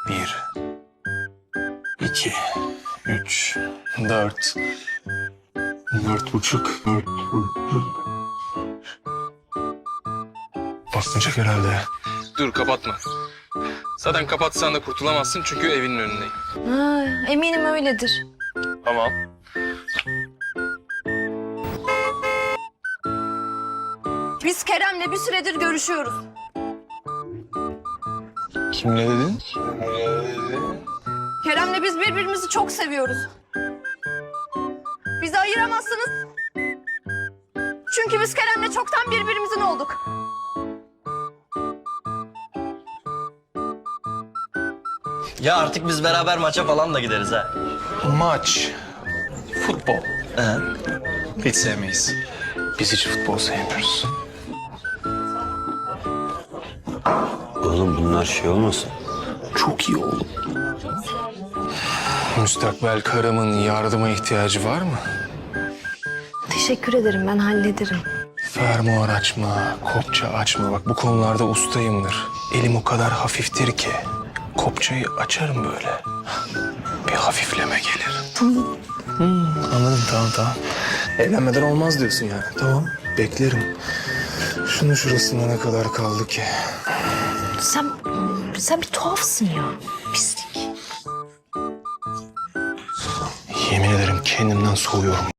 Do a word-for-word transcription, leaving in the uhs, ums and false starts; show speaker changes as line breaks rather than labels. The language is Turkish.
Bir, iki, üç, dört, dört buçuk, dört buçuk. Basmayacak herhalde.
Dur kapatma. Zaten kapatsan da kurtulamazsın çünkü evinin önündeyim.
Ha, eminim öyledir.
Tamam.
Biz Kerem'le bir süredir görüşüyoruz.
Kimle dedin?
Kerem'le biz birbirimizi çok seviyoruz. Bizi ayıramazsınız. Çünkü biz Kerem'le çoktan birbirimizin olduk.
Ya artık biz beraber maça falan da gideriz ha.
Maç, futbol.
Ee?
Hiç sevmeyiz. Biz hiç futbol sevmiyoruz.
Oğlum bunlar şey olmasın?
Çok iyi oğlum. Müstakbel karımın yardıma ihtiyacı var mı?
Teşekkür ederim, ben hallederim.
Fermuar açma, kopça açma. Bak bu konularda ustayımdır. Elim o kadar hafiftir ki kopçayı açarım böyle. Bir hafifleme gelir.
Tamam.
Hmm, anladım, tamam tamam. Evlenmeden olmaz diyorsun yani. Tamam, beklerim. Şunun şurasında ne kadar kaldı ki?
Sen, sen bir tuhafsın ya. Pislik.
Yemin ederim kendimden soğuyorum.